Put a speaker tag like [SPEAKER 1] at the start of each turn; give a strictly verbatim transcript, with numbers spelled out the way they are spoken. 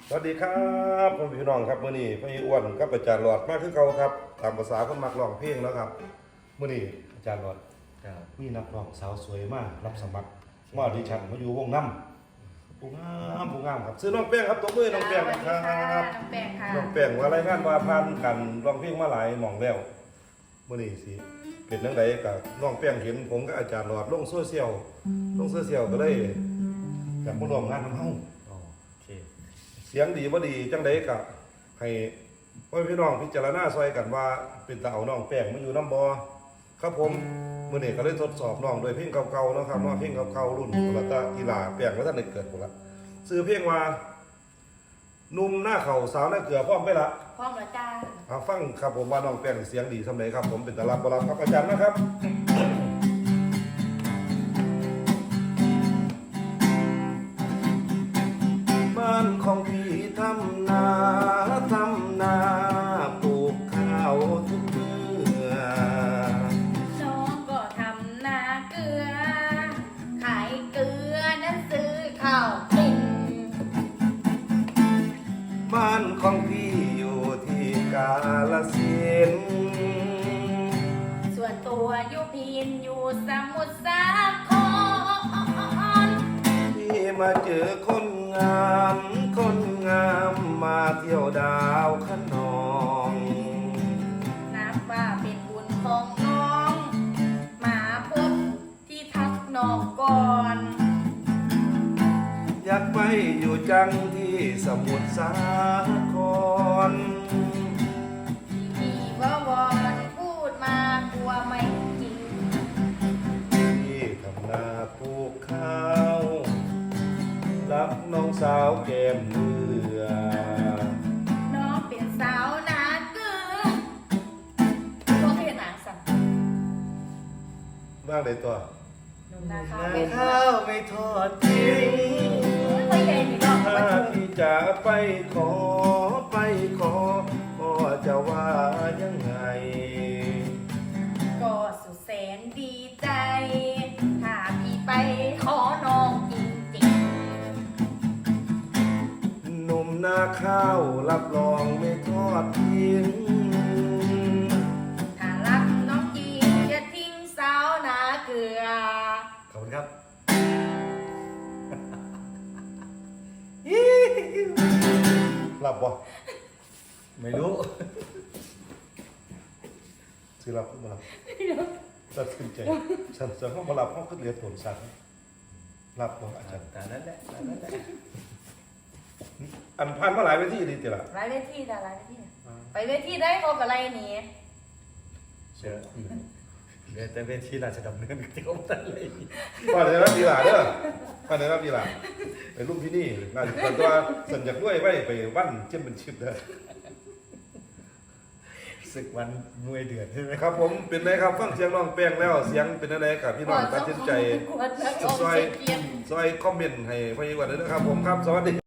[SPEAKER 1] สวัสดีครับพ่อพี่น้องครับมื้อนี้พี่อ้วนกับอาจารย์หลอดมาคือเก่าครับตามภาษาคนมักร้องเพลงแล้วครับมื้อนี้อาจารย์หลอดมีนักร้องสาวสวยมากรับสมัครมาออดิชั่นมาอยู่วงน้ำผู้งามผู้งามครับซื้อน้องแป้งครับตบมือน้องแป้งครับ
[SPEAKER 2] น้องแป้งค่ะ
[SPEAKER 1] น้องแป้งว่ารายงานว่าผ่านกันร้องเพลงมาหลายหม่องแล้วมื้อนี้สิเป็นจังไดกับน้องแป้งเห็นผมกับอาจารย์หลอดลงโซเชียลลงโซเชียลก็เลยอยากมาร่วมงานนำเฮาเสียงดีบ่ดีจังไดก็ให้พ่อพี่น้องพิจารณาซอยกันว่าเป็นตาเอาน้องแป้งมาอยู่น้ำบ่ครับผมมื้อนี้ก็เลยทดสอบน้องโดยเพลงเก่าๆเนาะครับเนาะเพลงเก่าๆรุ่นละตาอีหลาแป้งว่าท่านได้เกิดพุ่นละชื่อเพลงว่าหนุ่มหน้าเข่าสาวหน้าเกลือพร้อมไปละ
[SPEAKER 2] พร้อมแล้วจ้า
[SPEAKER 1] เอาฟังครับผมว่าน้องแป้งเสียงดีสำใดครับผมเป็นตาลับบ่ลับครับอาจารย์นะครับบ้านของพี่ทำนาทำนาปลูกข้าวทุกเมื่อ
[SPEAKER 2] น้องก็ทำนาเกลือขายเกลือนั้นซื้อข้าวกิน
[SPEAKER 1] บ้านของพี่อยู่ที่กาฬสินธุ์
[SPEAKER 2] ส่วนตัวอยู่พินอยู่สมุทรสาคร
[SPEAKER 1] พี่มาเจอคนงามคนงามมาเที่ยวดาวขนอง
[SPEAKER 2] นับว่าเป็นบุญของน้องมาพบที่ทักน้องก่อน
[SPEAKER 1] อยากไปอยู่จังที่สมุทรสาคร
[SPEAKER 2] มีว่าวอนพูดมากลัวไม่จริง
[SPEAKER 1] พี่ทำนาปลูกข้าวรับน้องสาวแก้มเมือ
[SPEAKER 2] น้องเป็นสาวนาเกลือตัวเพียนหนังสั่ง
[SPEAKER 1] บ้างเลยตัว
[SPEAKER 2] นาข้าว
[SPEAKER 1] นาข้าวไม่ทอดทิ้ง
[SPEAKER 2] ไม่เย็นอีกรอบ
[SPEAKER 1] ถ้าพี่จะไปขอไปขอพ่อจะว่ายังไง
[SPEAKER 2] ก็สุดแสนดีใจถ้าพี่ไปขอน้องจริง
[SPEAKER 1] ๆหนุ่มนาข้าวรับรองไม่ทอดทิ้ง
[SPEAKER 2] ถ้ารักน้องจริงอย่าทิ้งสาวนาเกลือ
[SPEAKER 1] ขอบคุณครับหลับบ่ไม่รู้สิหลับบ่หลับตัดสินใจฉันจะเข้ามาหลับห้องขึ้นเรียนผลสัตว์หลับบ่อาจารย์
[SPEAKER 3] แต่นั้นแหละแต่นั้นแหละ
[SPEAKER 1] อันพันมาหลายเวทีดีติล่ะ
[SPEAKER 2] หลายเวทีแต่หลายเวทีไปเวทีได้เขากับอะไรนี่
[SPEAKER 3] เชื่อเดี๋ยวแต่เวทีราชดำเนินก็จะเอาแต่เลย
[SPEAKER 1] ป้าเดี๋ยวรับดีหล่ะเด้อป้าเดี๋ยวรับดีหล่ะไปรุ่นที่นี่งานแต่ตัวสัญญาด้วยไว้ไปวันเช่นเป็นชิปเด้อ
[SPEAKER 3] ศึกวันมวยเดือดใช่ไหม
[SPEAKER 1] ครับผมเป็นไงครับฟังเสียงน้องแป้งแล้วเสียงเป็นอะไรกับพี่น้องตัดสินใจซอยซอยคอมเมนต์ให้พี่วันด้วยนะครับผมครับสวัสดี